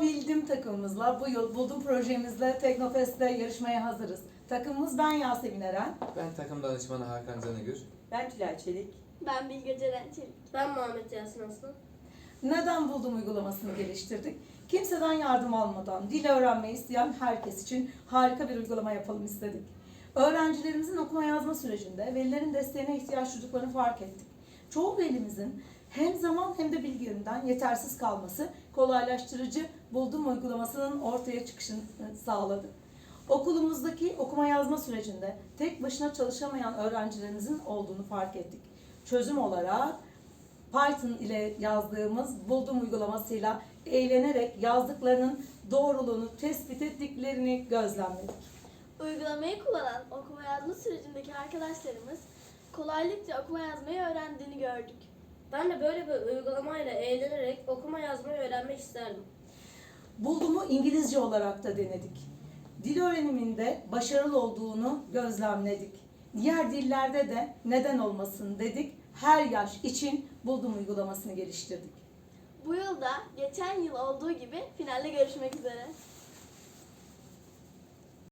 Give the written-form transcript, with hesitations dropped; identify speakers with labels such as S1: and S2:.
S1: Bildim takımımızla bu yıl Buldum projemizle Teknofest'te yarışmaya hazırız. Takımımız ben Yasemin Eren.
S2: Ben takım danışmanı Hakan Canıgür.
S3: Ben Tülay Çelik.
S4: Ben Bilge Ceren Çelik.
S5: Ben Muhammed Yasin Aslan.
S1: Neden Buldum uygulamasını geliştirdik? Kimseden yardım almadan dil öğrenmeyi isteyen herkes için harika bir uygulama yapalım istedik. Öğrencilerimizin okuma yazma sürecinde velilerin desteğine ihtiyaç duyduklarını fark ettik. Çoğu velimizin hem zaman hem de bilgi yönünden yetersiz kalması kolaylaştırıcı Buldum uygulamasının ortaya çıkışını sağladı. Okulumuzdaki okuma yazma sürecinde tek başına çalışamayan öğrencilerimizin olduğunu fark ettik. Çözüm olarak Python ile yazdığımız Buldum uygulamasıyla eğlenerek yazdıklarının doğruluğunu tespit ettiklerini gözlemledik.
S4: Uygulamayı kullanan okuma yazma sürecindeki arkadaşlarımız kolaylıkla okuma yazmayı öğrendiğini gördük.
S5: Ben de böyle bir uygulamayla eğlenerek okuma yazmayı öğrenmek isterdim.
S1: Buldum'u İngilizce olarak da denedik. Dil öğreniminde başarılı olduğunu gözlemledik. Diğer dillerde de neden olmasın dedik. Her yaş için Buldum uygulamasını geliştirdik.
S4: Bu yılda geçen yıl olduğu gibi finalde görüşmek üzere.